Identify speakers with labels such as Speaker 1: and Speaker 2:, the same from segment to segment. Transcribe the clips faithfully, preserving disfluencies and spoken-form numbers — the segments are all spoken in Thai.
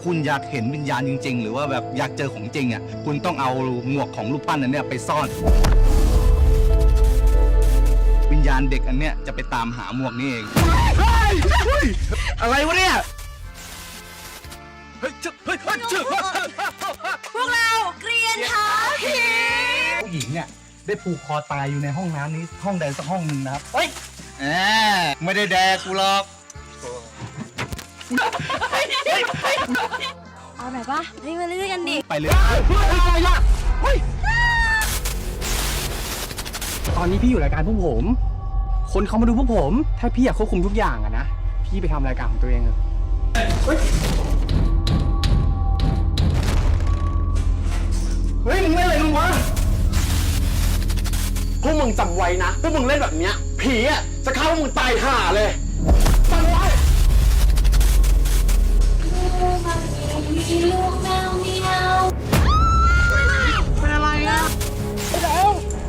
Speaker 1: คุณอยากเห็นวิญญาณจริงๆหรือว่าแบบอยากเจอของจริงอ่ะคุณต้องเอาหมวกของรูปปั้นอันเนี้ยไปซ่อนวิญญาณเด็กอันเนี้ยจะไปตามหาหมวกนี่เองอะไรวะเนี่ยเฮ้ยเฮ้ยเฮ้ย
Speaker 2: พวกเราเกรียนท้าผี
Speaker 1: ผู้หญิงเนี่ยได้ผูกคอตายอยู่ในห้องน้ำนี้ห้องใดสักห้องหนึ่งนะครับเฮ้ยแหมไม่ได้แดกกูหรอก
Speaker 2: เอาไหนปะเฮ้ยมาเล่นกันดิ
Speaker 1: ไปเลยอะไรล่ะเฮ้ย
Speaker 3: ตอนนี้พี่อยู่รายการพวกผม คนเขามาดูพวกผม ถ้าพี่อยากควบคุมทุกอย่างอะนะ พี่ไปทำรายการของตัวเองเถอะเฮ้ย เฮ้ยมึงเล่นอะไรมึงวะ พวกมึงจำไว้นะ พวกมึงเล่นแบบเนี้ย ผีอ่ะจะเข้าพวกมึงตายห่าเลยฟังไว้
Speaker 2: มีลูกแมวเมียว
Speaker 3: เป็นอะไรอ่ะแล้ว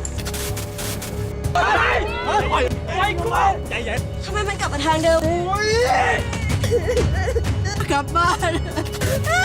Speaker 3: อะไรเฮ้ยไอ้กูใจเย็น
Speaker 2: ทำไมมันกลับมาทางเดิม
Speaker 3: กลับบ้าน
Speaker 2: เฮ้